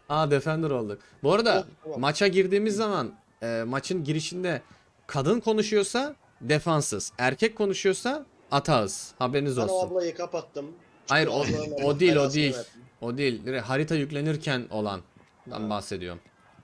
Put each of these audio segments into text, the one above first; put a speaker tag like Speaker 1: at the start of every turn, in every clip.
Speaker 1: Aa, Defender olduk. Bu arada
Speaker 2: Tamam.
Speaker 1: maça girdiğimiz zaman maçın girişinde kadın konuşuyorsa defansız, erkek konuşuyorsa atağız. Haberiniz
Speaker 2: Ben o
Speaker 1: olsun.
Speaker 2: ablayı kapattım.
Speaker 1: Hayır,
Speaker 2: Çünkü ablanın Allah
Speaker 1: o değil, o
Speaker 2: belasını
Speaker 1: değil.
Speaker 2: versin.
Speaker 1: O değil. Direkt harita yüklenirken olandan
Speaker 2: Ha.
Speaker 1: bahsediyorum.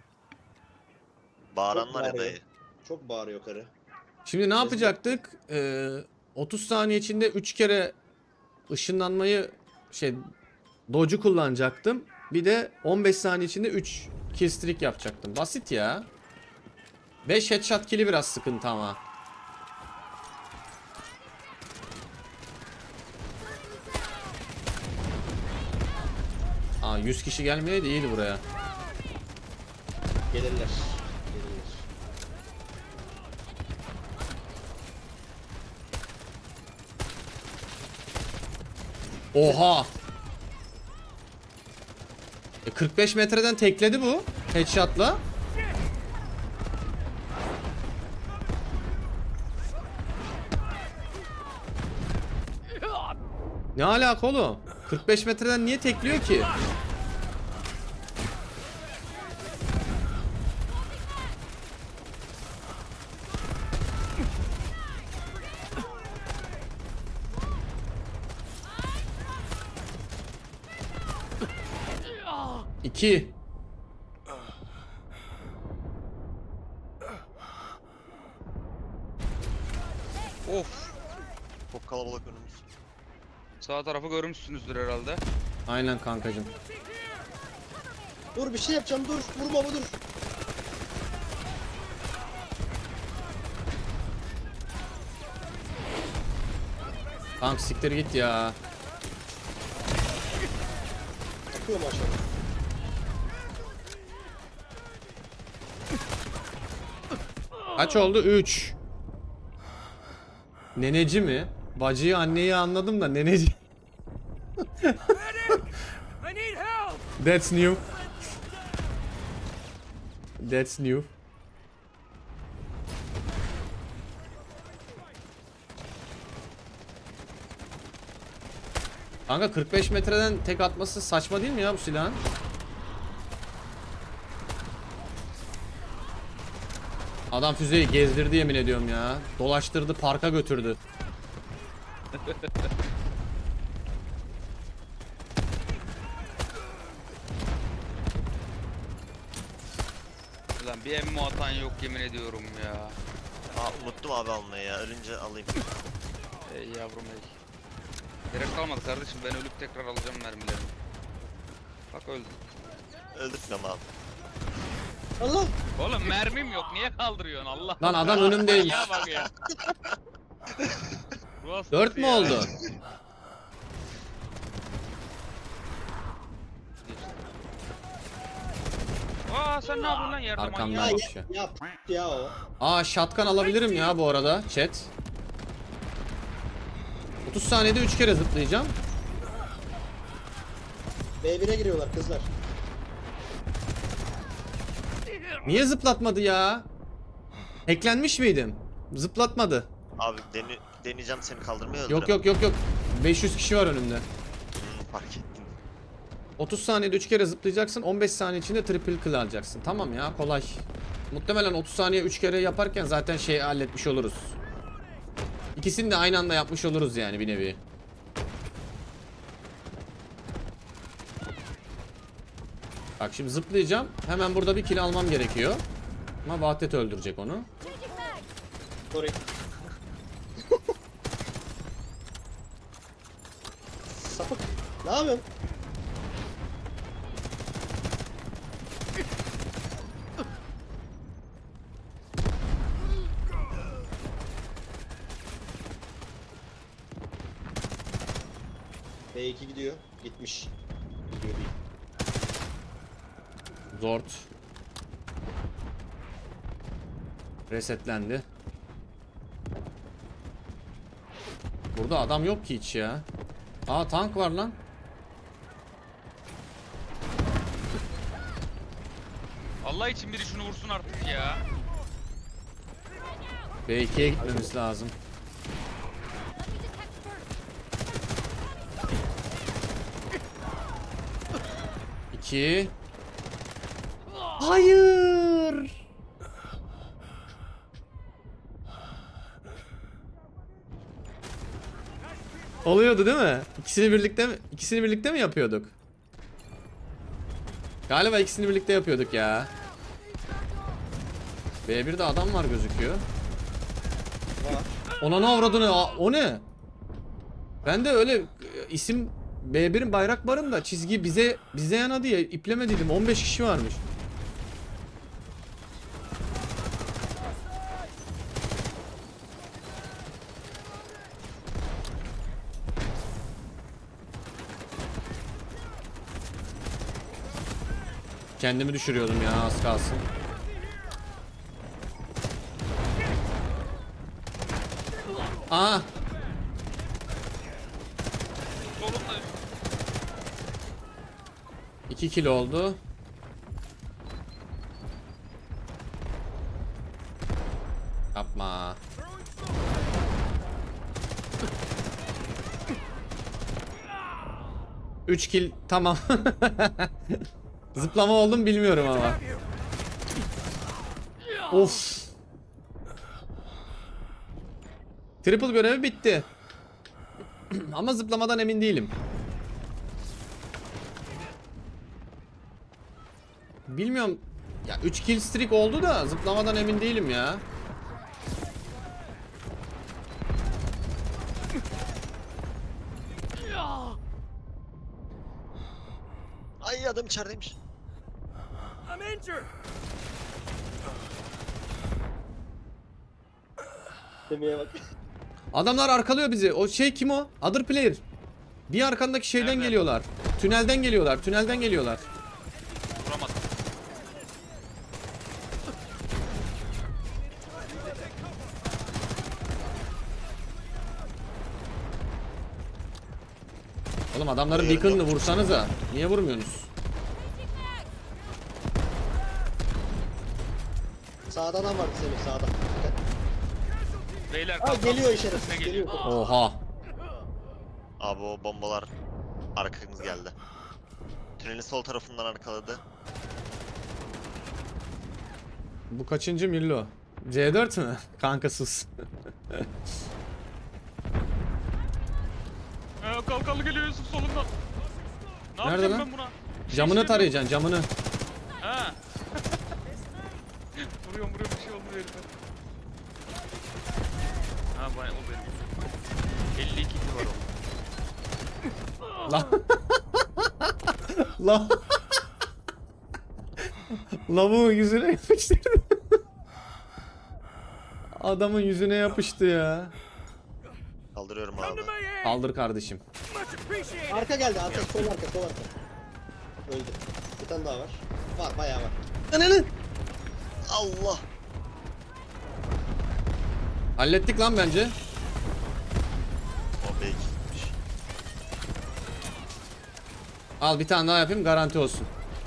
Speaker 3: Bağıran var ya
Speaker 2: bağırıyor.
Speaker 3: dayı.
Speaker 2: Çok bağırıyor karı.
Speaker 1: Şimdi ne yapacaktık? 30 saniye içinde 3 kere ışınlanmayı dodge'u kullanacaktım. Bir de 15 saniye içinde 3 kill streak yapacaktım. Basit ya. 5 headshot kill'i biraz sıkıntı ama. Aa, 100 kişi gelmeye değil buraya.
Speaker 2: Gelirler. Gelirler.
Speaker 1: Oha! 45 metreden tekledi bu headshot'la. Ne alaka oğlum? 45 metreden niye tekliyor ki? İki.
Speaker 4: Of.
Speaker 3: Çok kalabalık önümüz.
Speaker 4: Sağ tarafı görmüşsünüzdür herhalde.
Speaker 1: Aynen kankacım.
Speaker 2: Dur bir şey yapacağım dur. Vurma dur.
Speaker 1: Kank siktir git ya.
Speaker 2: Bakıyorum aşağıya.
Speaker 1: Kaç oldu? 3. Neneci mi? Bacıyı, anneyi anladım da neneci. That's new. That's new. Kanka 45 metreden tek atması saçma değil mi ya bu silahın? Adam füzeyi gezdirdi yemin ediyorum ya. Dolaştırdı, parka götürdü.
Speaker 4: Ulan bir emmi atan yok yemin ediyorum ya.
Speaker 3: Aa, unuttum abi almayı ya. Ölünce alayım.
Speaker 4: Ey yavrum ey. Gerek kalmadı kardeşim, ben ölüp tekrar alacağım mermilerimi. Bak öldüm.
Speaker 3: Öldürtmem abi.
Speaker 2: Allah.
Speaker 4: Oğlum mermim yok, niye kaldırıyorsun Allah?
Speaker 1: Lan adam önümdeymiş.
Speaker 4: Ya bak ya. Bu nasıl
Speaker 1: 4 mü
Speaker 4: ya?
Speaker 1: oldu?
Speaker 4: Aa sen ne yapıyorsun lan yerde
Speaker 1: Arkamdan
Speaker 4: manyak?
Speaker 1: bak şu.
Speaker 2: Ya ya o.
Speaker 1: Aa, shotgun alabilirim ya bu arada chat. 30 saniyede 3 kere zıplayacağım.
Speaker 2: B1'e giriyorlar kızlar.
Speaker 1: Niye zıplatmadı ya? Hacklenmiş miydim? Zıplatmadı.
Speaker 3: Abi deneyeceğim seni kaldırmayı
Speaker 1: Yok yok yok yok. 500 kişi var önümde.
Speaker 3: Fark ettim.
Speaker 1: 30 saniyede 3 kere zıplayacaksın. 15 saniye içinde triple kill alacaksın. Tamam ya, kolay. Muhtemelen 30 saniye 3 kere yaparken zaten şeyi halletmiş oluruz. İkisini de aynı anda yapmış oluruz yani bir nevi. Bak şimdi zıplayacağım. Hemen burada bir kill almam gerekiyor. Ama Vahdet öldürecek onu.
Speaker 2: Sorry. Sapık. Ne yapıyorsun? B2 gidiyor. Gitmiş. Gidiyor değil.
Speaker 1: Zord. Resetlendi. Burada adam yok ki hiç ya. Aa, tank var lan.
Speaker 4: Allah için biri şunu vursun artık ya.
Speaker 1: B2'ye gitmemiz lazım. 2 Hayır. Oluyordu değil mi? İkisini birlikte mi yapıyorduk? Galiba ikisini birlikte yapıyorduk ya. B1'de adam var gözüküyor.
Speaker 2: Var.
Speaker 1: Ona ne avradını? O ne? Ben de öyle isim B1'in bayrak barım da çizgi bize yana diye iplemediydim. 15 kişi varmış. Kendimi düşürüyordum ya az kalsın. Aa,
Speaker 4: Solunda.
Speaker 1: 2 kilo oldu. Yapma. Üç kill tamam. Zıplama oldum bilmiyorum ama. Of. Triple görevi bitti. Ama zıplamadan emin değilim. Bilmiyorum. Ya 3 kill streak oldu da zıplamadan emin değilim ya.
Speaker 3: Ay adam içerideymiş.
Speaker 2: Demeye bak.
Speaker 1: Adamlar arkalıyor bizi. O şey kim o? Other player. Bir arkandaki şeyden
Speaker 4: Nerede?
Speaker 1: geliyorlar. Tünelden geliyorlar. Tünelden geliyorlar.
Speaker 4: Vuramadım.
Speaker 1: Oğlum adamların
Speaker 3: Yerim
Speaker 1: beacon'ını
Speaker 3: yok.
Speaker 1: vursanıza. Niye vurmuyorsunuz?
Speaker 2: Sağda adam vardı Semih sağda. Dikkat.
Speaker 4: Beyler
Speaker 2: Aa
Speaker 4: kalkan.
Speaker 2: geliyor
Speaker 4: Ne
Speaker 2: işaretsiz geliyor.
Speaker 1: Oha.
Speaker 3: Abi o bombalar arkamız geldi. Tünelin sol tarafından arkaladı.
Speaker 1: Bu kaçıncı Millo? C4 mü? Kanka sus.
Speaker 4: Kalkanlı geliyor Yusuf solundan. Ne
Speaker 1: Nerede
Speaker 4: yapacağım
Speaker 1: lan?
Speaker 4: ben buna?
Speaker 1: Camını tarayacaksın camını.
Speaker 4: Ha. vuruyorum bir şey oldu herife. Ha o benim. 52 ki var o.
Speaker 1: La. La. Lavuğun yüzüne yapıştırdı. Adamın yüzüne yapıştı ya.
Speaker 3: Kaldırıyorum abi.
Speaker 1: Kaldır kardeşim.
Speaker 2: Arka geldi arka sol arka sol arka. Öldü. Bir tane daha var. Var bayağı var.
Speaker 1: Ananı.
Speaker 3: Allah.
Speaker 1: Hallettik lan bence.
Speaker 3: O belki gitmiş.
Speaker 1: Al bir tane daha yapayım garanti olsun.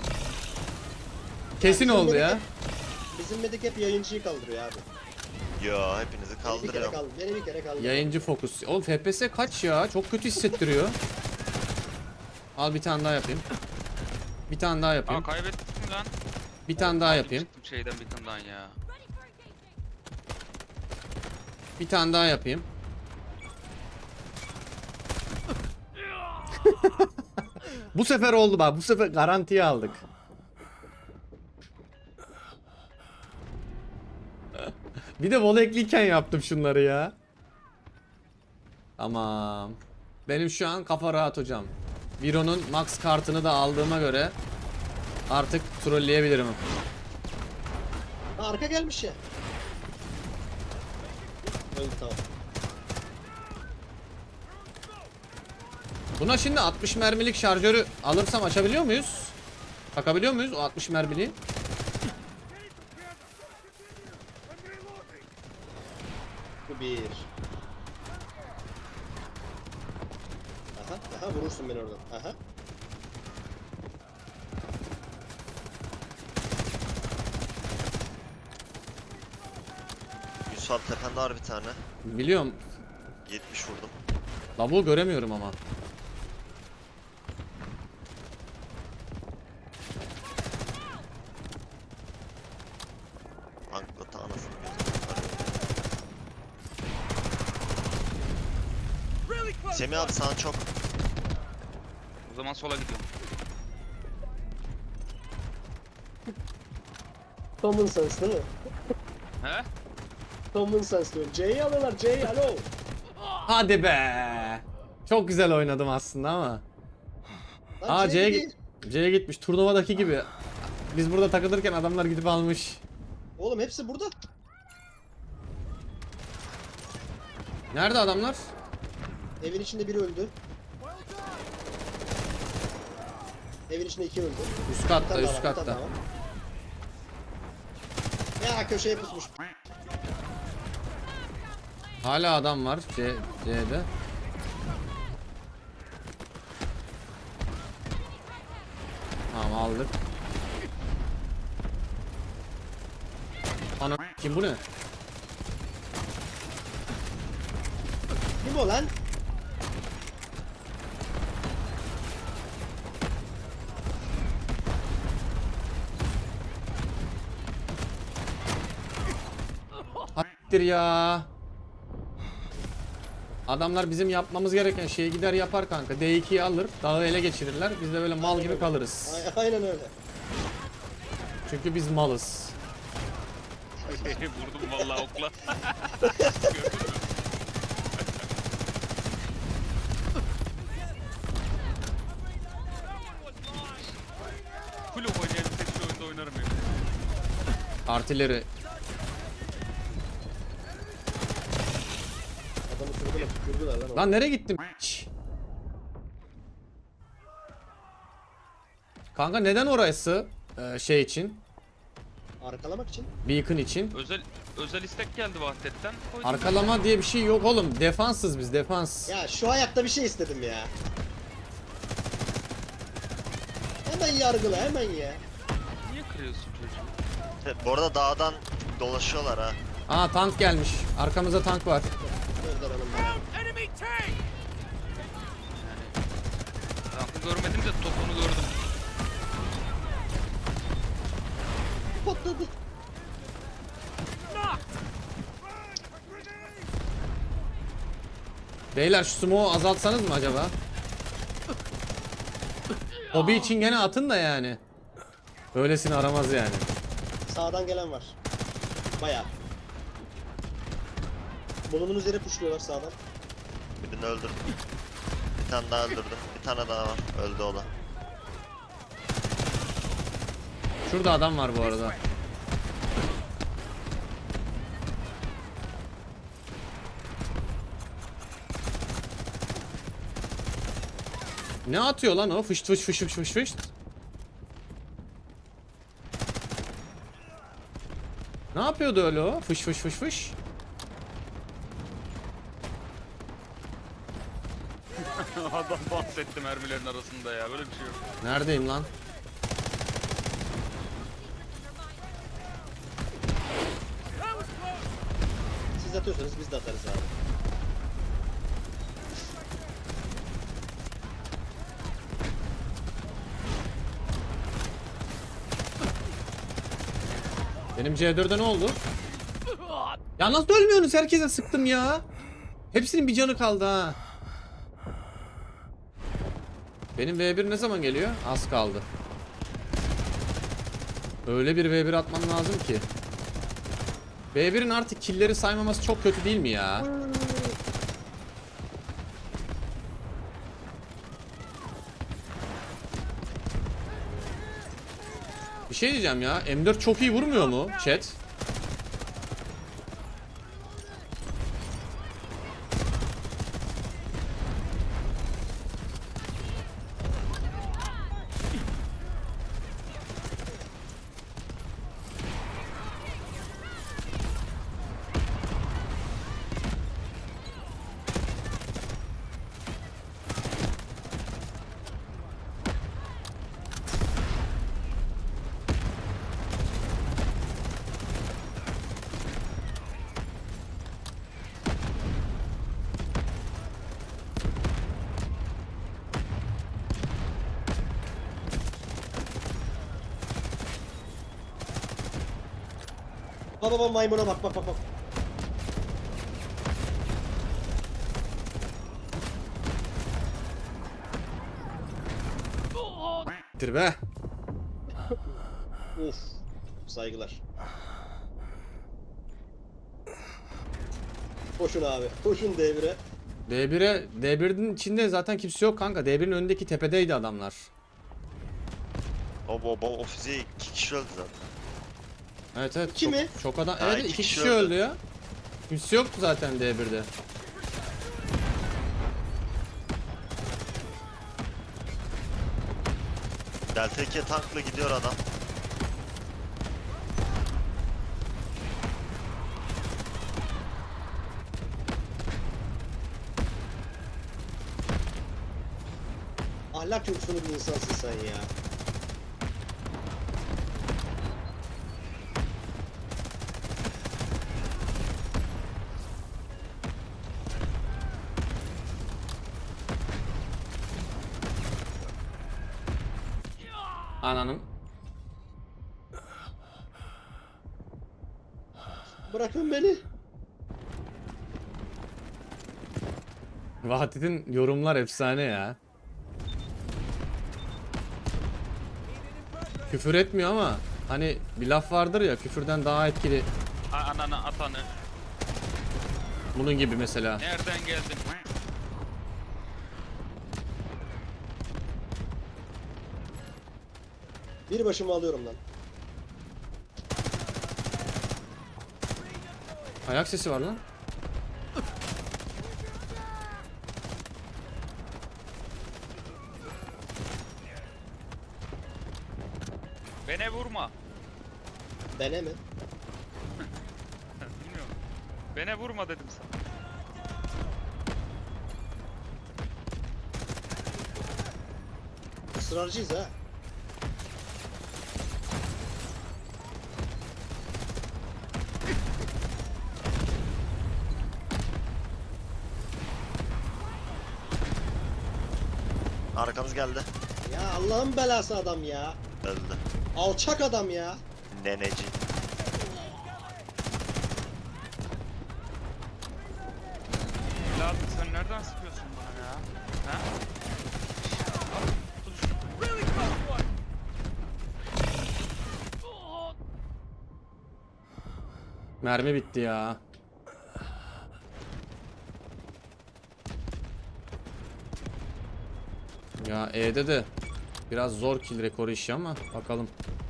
Speaker 1: Kesin oldu ya.
Speaker 2: Bizim medik hep yayıncıyı kaldırıyor abi.
Speaker 3: Yo hepinizi
Speaker 2: Beni bir kere
Speaker 3: kaldırıyorum.
Speaker 2: kaldı. Beni bir kere kaldı.
Speaker 1: Yayıncı fokus. Oğlum FPS kaç ya? Çok kötü hissettiriyor. Al bir tane daha yapayım. Bir tane daha yapayım.
Speaker 4: Kaybettik mi lan?
Speaker 1: Bir tane daha yapayım.
Speaker 4: Çıktım şeyden bir tane daha ya.
Speaker 1: Bir tane daha yapayım. Bu sefer oldu bak. Bu sefer garantiye aldık. Bir de volekliyken yaptım şunları ya. Tamam. Benim şu an kafa rahat hocam. Viro'nun max kartını da aldığıma göre artık trolleyebilirim.
Speaker 2: Ha, arka gelmiş ya. Öldü tamam.
Speaker 1: Buna şimdi 60 mermilik şarjörü alırsam açabiliyor muyuz? Takabiliyor muyuz o 60 mermiliği?
Speaker 2: Bu bir. Aha, aha vurursun beni oradan. Aha.
Speaker 3: Yusuf abi tepende var bir tane.
Speaker 1: Biliyorum.
Speaker 3: 70 vurdum.
Speaker 1: Lavuğu göremiyorum ama.
Speaker 3: Semih abi sana çok.
Speaker 4: O zaman sola gidiyorum.
Speaker 2: Common sense değil mi?
Speaker 4: He?
Speaker 2: Common sense diyorum. C'yi alıyorlar. C'yi alo.
Speaker 1: Hadi be. Çok güzel oynadım aslında ama.
Speaker 2: Lan
Speaker 1: Aa
Speaker 2: C
Speaker 1: C'ye
Speaker 2: değil.
Speaker 1: C'ye gitmiş. Turnuvadaki gibi. Biz burada takılırken adamlar gidip almış.
Speaker 2: Oğlum hepsi burada.
Speaker 1: Nerede adamlar?
Speaker 2: Evin içinde biri öldü. Evin içinde 2 öldü.
Speaker 1: Üst
Speaker 2: Bir
Speaker 1: katta,
Speaker 2: tane daha
Speaker 1: üst
Speaker 2: var, bir tane
Speaker 1: katta.
Speaker 2: daha var. Ya köşeye pusmuş.
Speaker 1: Hala adam var C'de. Tamam aldık. Ana kim bu ne?
Speaker 2: Kim o lan?
Speaker 1: Hattir ya. Adamlar bizim yapmamız gereken şeyi gider yapar kanka. D2'yi alır, dağı ele geçirirler. Biz de böyle mal gibi kalırız.
Speaker 2: Aynen öyle.
Speaker 1: Çünkü biz malız.
Speaker 4: Vurdum vallahi okla. Full oynayabilsek şu oyunda oynarım ya.
Speaker 1: Artileri.
Speaker 2: Adamı sürdüler, tükürdüler lan.
Speaker 1: Lan nereye gittim? Kanka neden orası? Şey için.
Speaker 2: Arkalamak için.
Speaker 1: Beacon için.
Speaker 4: Özel istek geldi Vahdet'ten. Koydum.
Speaker 1: Arkalama diye bir şey yok oğlum. Defanssız biz, defans.
Speaker 2: Ya şu hayatta bir şey istedim ya. Hemen yargıla hemen ya.
Speaker 4: Niye kırıyorsun çocuğu?
Speaker 3: Bu arada dağdan dolaşıyorlar ha.
Speaker 1: Aa tank gelmiş. Arkamızda tank var.
Speaker 2: Gönder hanım bana.
Speaker 4: Tankı görmedim de topunu gördüm.
Speaker 2: Patladı.
Speaker 1: Beyler şu smoke'u azaltsanız mı acaba? Hobi için gene atın da yani. Öylesini aramaz yani.
Speaker 2: Sağdan gelen var. Bayağı. Bulunduğunuz yere puşluyorlar sağdan.
Speaker 3: Birini öldürdüm. Bir tane daha öldürdüm. Bir tane daha var. Öldü o da.
Speaker 1: Şurada adam var bu arada. Ne atıyor lan o? Fışt fışt fışt fışt fışt. Ne yapıyordu öyle o? Fış fış fış fış.
Speaker 4: Adam bahsetti mermilerin arasında ya. Böyle bir şey yok.
Speaker 1: Neredeyim lan?
Speaker 2: Siz atıyorsanız biz de atarız abi.
Speaker 1: Benim C4'e ne oldu? Ya nasıl ölmüyorsunuz? Herkese sıktım ya. Hepsinin bir canı kaldı ha. Benim V1 ne zaman geliyor? Az kaldı. Öyle bir V1 atmam lazım ki. V1'in artık killleri saymaması çok kötü değil mi ya? Bir şey diyeceğim ya. M4 çok iyi vurmuyor mu chat?
Speaker 2: Baba maymuna bak bak bak bak.
Speaker 1: siktir be.
Speaker 2: Uf. Saygılar. Koşun abi. Koşun devre.
Speaker 1: D1'in içinde zaten kimse yok kanka. D1'in önündeki tepedeydi adamlar.
Speaker 3: O füzeye 2 kişi öldü zaten.
Speaker 1: Evet evet.
Speaker 2: İki
Speaker 1: çok,
Speaker 2: mi?
Speaker 1: çok adam.
Speaker 3: Ha,
Speaker 1: Evet
Speaker 3: iki
Speaker 1: 2
Speaker 3: kişi
Speaker 1: kişi
Speaker 3: öldü.
Speaker 1: öldü ya. Kimse yoktu zaten D1'de.
Speaker 3: Delta 2'ye tankla gidiyor adam.
Speaker 2: Ahlak yoksunu bir insansın sen ya.
Speaker 1: Ananın.
Speaker 2: Bırakın beni.
Speaker 1: Vahdet'in yorumlar efsane ya. Küfür etmiyor ama hani bir laf vardır ya, küfürden daha etkili.
Speaker 4: Ananı atanı.
Speaker 1: Bunun gibi mesela.
Speaker 4: Nereden geldin?
Speaker 2: Bir başıma alıyorum lan.
Speaker 1: Ayak sesi var lan.
Speaker 4: Beni vurma.
Speaker 2: Bene mi?
Speaker 4: Bilmiyorum. Beni vurma dedim sana.
Speaker 2: Israrcıyız ha.
Speaker 3: Arkamız geldi.
Speaker 2: Ya Allah'ın belası adam ya.
Speaker 3: Öldü.
Speaker 2: Alçak adam ya.
Speaker 3: Neneci.
Speaker 4: Evladım sen nereden sıkıyorsun bana ya? Ha? Tut şunu.
Speaker 1: Mermi bitti ya. Ya E'de de biraz zor kill rekoru işi ama bakalım.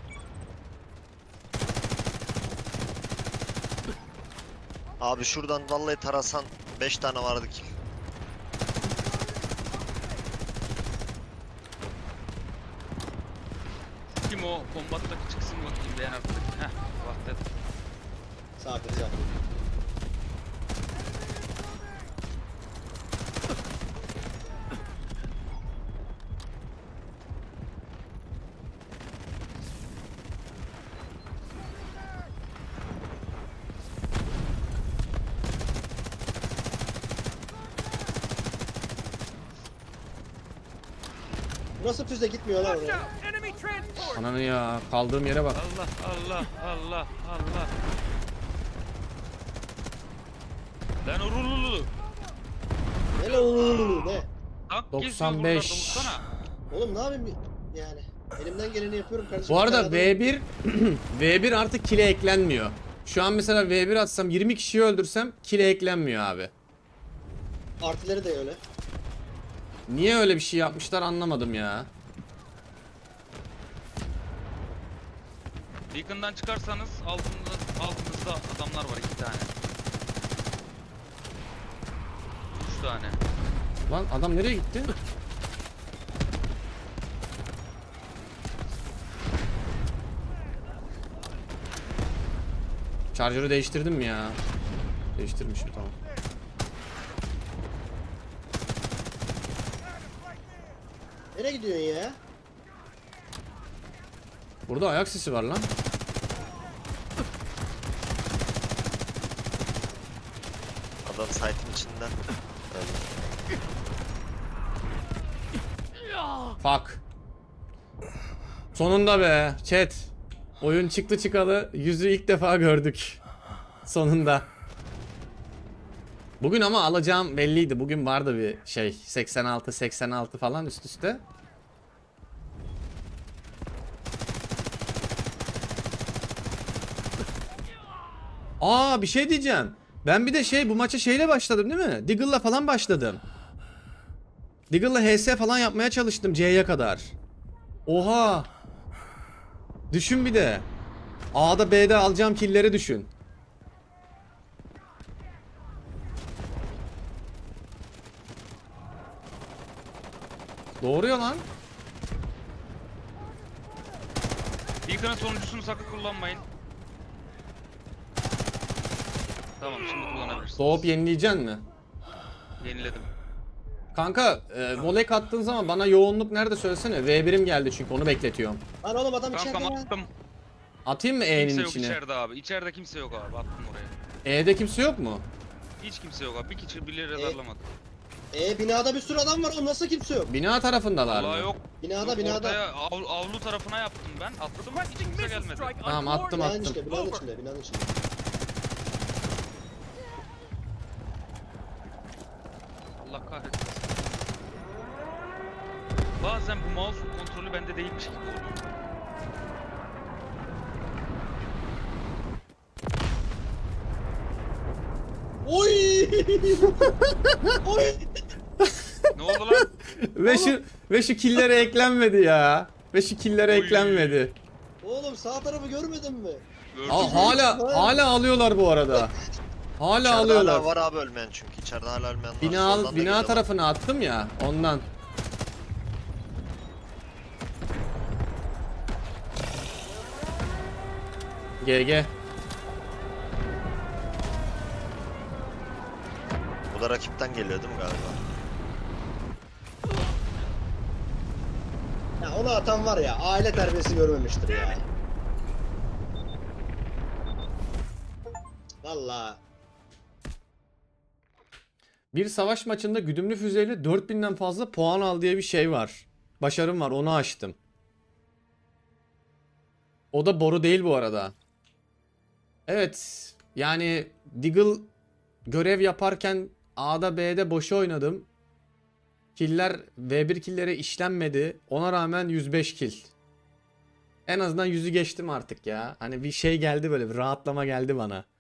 Speaker 3: Abi şuradan vallahi tarasan 5 tane vardı ki.
Speaker 4: Kim o? Kombattaki çıksın bakayım beğen artık. Heh. Vahdet.
Speaker 2: Sakin sakin. Nasıl füze gitmiyor lan oraya?
Speaker 1: Ananı ya, kaldığım yere bak.
Speaker 4: Allah Allah Allah Allah. Lan urululu.
Speaker 2: Ne lan oğlum ne?
Speaker 4: Tank
Speaker 1: 95.
Speaker 4: geziyor buralarda, vursana.
Speaker 2: Oğlum ne yapayım yani? Elimden geleni yapıyorum kardeşim.
Speaker 1: Bu arada
Speaker 2: Bir tane adam-
Speaker 1: V1 V1 artık kill'e eklenmiyor. Şu an mesela V1 atsam 20 kişiyi öldürsem kill'e eklenmiyor abi.
Speaker 2: Artileri de öyle.
Speaker 1: Niye öyle bir şey yapmışlar anlamadım ya.
Speaker 4: Beacon'dan çıkarsanız altınızda adamlar var 2 tane. 3 tane.
Speaker 1: Lan adam nereye gitti? Charger'ı değiştirdim mi ya? Değiştirmişim, tamam.
Speaker 2: Nereye gidiyorsun ya?
Speaker 1: Burada ayak sesi var lan.
Speaker 3: Adam site'in içinden. Öldü.
Speaker 1: Fuck. Sonunda be chat. Oyun çıktı çıkalı yüzü ilk defa gördük. Sonunda. Bugün ama alacağım belliydi. Bugün vardı bir şey 86 86 falan üst üste. Aa bir şey diyeceğim. Ben bir de bu maça şeyle başladım değil mi? Deagle'la falan başladım. Deagle'la HS falan yapmaya çalıştım C'ye kadar. Oha. Düşün bir de. A'da B'de alacağım killleri düşün. Doğru ya lan.
Speaker 4: Beacon'ın sonuncusunu sakın kullanmayın. Tamam şimdi kullanabilirsiniz.
Speaker 1: Doğup yenileyeceksin mi?
Speaker 4: Yeniledim.
Speaker 1: Kanka volek attığın zaman bana yoğunluk nerede söylesene. V1'im geldi çünkü onu bekletiyorum.
Speaker 2: Lan oğlum adam içeride
Speaker 4: Kankam
Speaker 2: lan.
Speaker 4: attım.
Speaker 1: Atayım mı
Speaker 4: Kimse
Speaker 1: E'nin
Speaker 4: yok
Speaker 1: içine?
Speaker 4: içeride abi. İçeride kimse yok abi. Attım oraya.
Speaker 1: E'de kimse yok mu?
Speaker 4: Hiç kimse yok abi. Bir kişi bile radarlamadı.
Speaker 2: Binada bir sürü adam var oğlum, nasıl kimse yok?
Speaker 1: Bina tarafındalar
Speaker 4: Allah
Speaker 1: mı?
Speaker 4: yok.
Speaker 2: Binada
Speaker 4: Yok,
Speaker 2: binada.
Speaker 4: Ortaya avlu tarafına yaptım ben. Atladım hiç kimse gelmedi.
Speaker 1: Tamam attım
Speaker 2: Binanın
Speaker 1: attım.
Speaker 2: içinde, binanın içinde, binanın içinde.
Speaker 4: Allah kahretsin. Bazen bu mouse kontrolü bende değilmiş gibi oluyor.
Speaker 2: Oy! Oy!
Speaker 4: Ne oldu lan?
Speaker 1: Ve şu killere eklenmedi ya. Ve şu killere
Speaker 4: Oy.
Speaker 1: eklenmedi.
Speaker 2: Oğlum sağ tarafı görmedin mi?
Speaker 4: Gördün
Speaker 1: Aa,
Speaker 4: mü?
Speaker 1: hala alıyorlar bu arada. Hala
Speaker 3: İçeride
Speaker 1: alıyorlar.
Speaker 3: hala var abi ölmeyen çünkü. İçeride hala ölmeyen var. Soldan da
Speaker 1: Bina
Speaker 3: geliyorlar.
Speaker 1: tarafına attım ya ondan. GG.
Speaker 3: Bu da rakipten geliyor değil mi galiba?
Speaker 2: Ya onu atan var ya, aile terbiyesi görmemiştir ya. Vallahi.
Speaker 1: Bir savaş maçında güdümlü füzeyle 4000'den fazla puan al diye bir şey var. Başarım var, onu açtım. O da boru değil bu arada. Evet, yani Deagle görev yaparken A'da B'de boşa oynadım. Killer V1 killere işlenmedi. Ona rağmen 105 kill. En azından 100'ü geçtim artık ya. Hani bir şey geldi, böyle bir rahatlama geldi bana.